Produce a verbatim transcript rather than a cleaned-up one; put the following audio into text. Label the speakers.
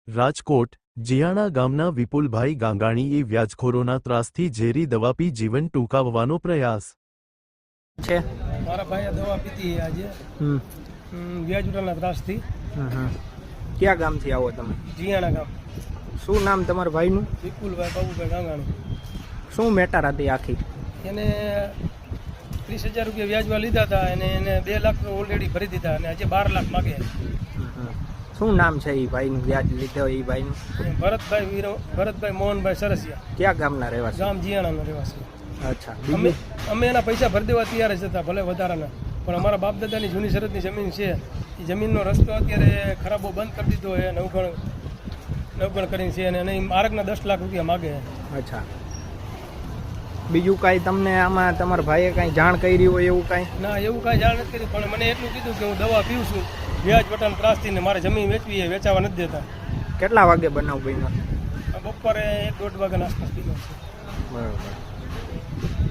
Speaker 1: રાજકોટ જીયાણા ગામના વિપુલભાઈ ગાંગાણીએ વ્યાજખોરોના ત્રાસથી ઝેરી દવા પી જીવન ટૂંકાવવાનો પ્રયાસ
Speaker 2: છે।
Speaker 3: મારા ભાઈએ દવા પીતી આજે
Speaker 2: હમ
Speaker 3: વ્યાજ ઉઠાના ત્રાસથી।
Speaker 2: હમ ક્યાં ગામથી આવો તમે?
Speaker 3: જીયાણા ગામ।
Speaker 2: શું નામ તમારા ભાઈનું?
Speaker 3: વિપુલભાઈ બાબુભાઈ ગાંગાણી।
Speaker 2: શું મેટર હતી આખી?
Speaker 3: એને ત્રીસ હજાર રૂપિયા વ્યાજમાં લીધા હતા અને એને બે લાખ ઓલરેડી ભરી દીધા અને આજે બાર લાખ માગે।
Speaker 2: શું નામ છે એ ભાઈનું વ્યાજ લીધો એ ભાઈનું?
Speaker 3: ભરતભાઈ વીરો ભરતભાઈ મોહનભાઈ સરસિયા।
Speaker 2: ક્યાં ગામના રહેવાસી?
Speaker 3: ગામ જીયાણાનો રહેવાસી।
Speaker 2: અચ્છા,
Speaker 3: અમે અમે એના પૈસા ભરી દેવા તૈયાર જ હતા, ભલે વધારાના, પણ અમારા બાપ દાદાની જૂની શરતની જમીન છે, એ જમીનનો રસ્તો અત્યારે ખરાબો બંધ કરી દીધો છે, નવગણ નવગણ કરીને છે અને એ માર્ગના દસ લાખ રૂપિયા માગે।
Speaker 2: અચ્છા, બીજું કાંઈ તમને આમાં તમારા ભાઈએ કાંઈ જાણ કરી હોય એવું કાંઈ?
Speaker 3: ના, એવું કાંઈ જાણ નથી કરી, પણ મને એટલું કીધું કે હું દવા પીઉં છું વ્યાજ વટાણ ત્રાસથી ને મારે જમીન વેચવી એ વેચાવા નથી દેતા।
Speaker 2: કેટલા વાગે બનાવ બન્યો?
Speaker 3: બપોરે એક દોઢ વાગ્યાના આસપાસ પીધો છે।
Speaker 2: બરાબર।